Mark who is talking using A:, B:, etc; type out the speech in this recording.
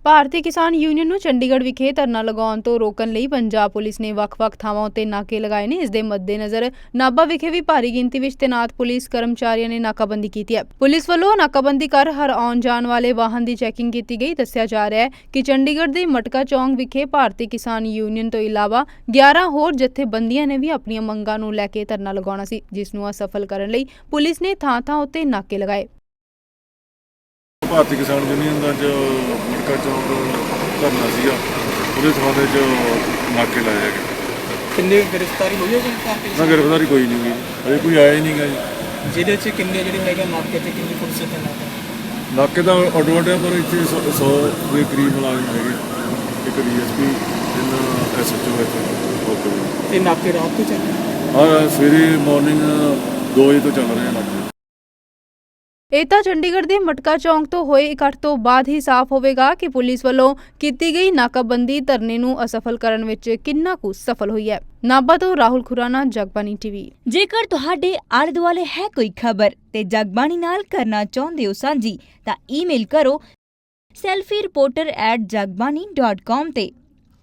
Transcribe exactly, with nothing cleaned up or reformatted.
A: ਭਾਰਤੀ ਕਿਸਾਨ ਯੂਨੀਅਨ ਨੂੰ ਚੰਡੀਗੜ੍ਹ ਵਿਖੇ ਧਰਨਾ ਲਗਾਉਣ ਤੋਂ ਰੋਕਣ ਲਈ ਪੰਜਾਬ ਪੁਲਿਸ ਨੇ ਵੱਖ-ਵੱਖ ਥਾਵਾਂ ਉੱਤੇ ਨਾਕੇ ਲਗਾਏ ਨੇ। ਇਸ ਦੇ ਮੱਦੇਨਜ਼ਰ ਨਾਭਾ ਵਿਖੇ ਵੀ ਭਾਰੀ ਗਿਣਤੀ ਵਿੱਚ ਤੈਨਾਤ ਪੁਲਿਸ ਕਰਮਚਾਰੀਆਂ ਨੇ ਨਾਕਾਬੰਦੀ ਕੀਤੀ ਹੈ। ਪੁਲਿਸ ਵੱਲੋਂ ਨਾਕਾਬੰਦੀ ਕਰ ਹਰ ਆਉਣ ਜਾਣ ਵਾਲੇ ਵਾਹਨ ਦੀ ਚੈਕਿੰਗ ਕੀਤੀ ਗਈ। ਦੱਸਿਆ ਜਾ ਰਿਹਾ ਹੈ ਕਿ ਚੰਡੀਗੜ੍ਹ ਦੇ ਮਟਕਾ ਚੌਂਕ ਵਿਖੇ ਭਾਰਤੀ ਕਿਸਾਨ ਯੂਨੀਅਨ ਤੋਂ ਇਲਾਵਾ ਗਿਆਰਾਂ ਹੋਰ ਜਥੇਬੰਦੀਆਂ ਨੇ ਵੀ ਆਪਣੀਆਂ ਮੰਗਾਂ ਨੂੰ ਲੈ ਕੇ ਧਰਨਾ ਲਗਾਉਣਾ ਸੀ, ਜਿਸ ਨੂੰ ਅਸਫਲ ਕਰਨ ਲਈ ਪੁਲਿਸ ਨੇ ਥਾਂ-ਥਾਂ ਉੱਤੇ ਨਾਕੇ ਲਗਾਏ।
B: ਭਾਰਤੀ ਕਿਸਾਨ ਯੂਨੀਅਨ ਦਾ ਜੋ ਮਟਕਾ ਚੌਂਕ ਧਰਨਾ ਸੀਗਾ, ਉਹਦੇ ਸੰਬੰਧ ਵਿੱਚ ਨਾਕੇ ਲਾਏ ਹੈਗੇ।
C: ਕਿੰਨੇ ਗ੍ਰਿਫਤਾਰੀ ਹੋਈ ਹੈ ਜੀ?
B: ਨਾ ਗ੍ਰਿਫਤਾਰੀ ਕੋਈ ਨਹੀਂ ਹੋਈ, ਅਜੇ ਕੋਈ ਆਇਆ ਹੀ ਨਹੀਂਗਾ ਜੀ।
C: ਜਿਹਦੇ 'ਚ ਕਿੰਨੇ ਜਿਹੜੇ ਹੈਗੇ ਨਾਕੇ ਤੇ ਕਿੰਨੀ ਪੁਲਿਸ ਤੇ ਨਾਕੇ
B: ਨਾਕੇ ਦਾ ਅੱਡੋ-ਅੱਡ ਹੈ, ਪਰ ਇੱਥੇ ਸੌ ਦੇ ਕਰੀਬ ਮੁਲਾਜ਼ਮ ਹੈਗੇ। ਇੱਕ ਡੀ ਐਸ ਪੀ, ਤਿੰਨ ਐਸ ਐਚ ਓ ਇੱਥੇ।
C: ਤੇ ਨਾਕੇ ਰਾਤ ਤੋਂ ਚੱਲ ਰਹੇ?
B: ਹਾਂ, ਸਵੇਰੇ ਮਾਰਨਿੰਗ ਦੋ ਵਜੇ ਤੋਂ ਚੱਲ ਰਹੇ ਨਾਕੇ।
A: ਇਹ ਤਾਂ ਚੰਡੀਗੜ੍ਹ ਦੇ ਮਟਕਾ ਚੌਂਕ ਤੋਂ ਹੋਏ ਇਕੱਠ ਤੋਂ ਬਾਅਦ ਹੀ ਸਾਫ਼ ਹੋਵੇਗਾ ਕਿ ਪੁਲਿਸ ਵੱਲੋਂ ਕੀਤੀ ਗਈ ਨਾਕਾਬੰਦੀ ਧਰਨੇ ਨੂੰ ਅਸਫਲ ਕਰਨ ਵਿੱਚ ਕਿੰਨਾ ਕੁ ਸਫਲ ਹੋਈ ਹੈ। ਨਾਭਾ ਤੋਂ ਰਾਹੁਲ ਖੁਰਾਨਾ, ਜਗਬਾਣੀ ਟੀਵੀ।
D: ਜੇਕਰ ਤੁਹਾਡੇ ਆਲੇ ਦੁਆਲੇ ਹੈ ਕੋਈ ਖਬਰ ਤੇ ਜਗਬਾਣੀ ਨਾਲ ਕਰਨਾ ਚਾਹੁੰਦੇ ਹੋ ਸਾਂਝੀ, ਤਾਂ ਈਮੇਲ ਕਰੋ selfie reporter at Jagbani dot com ਤੇ।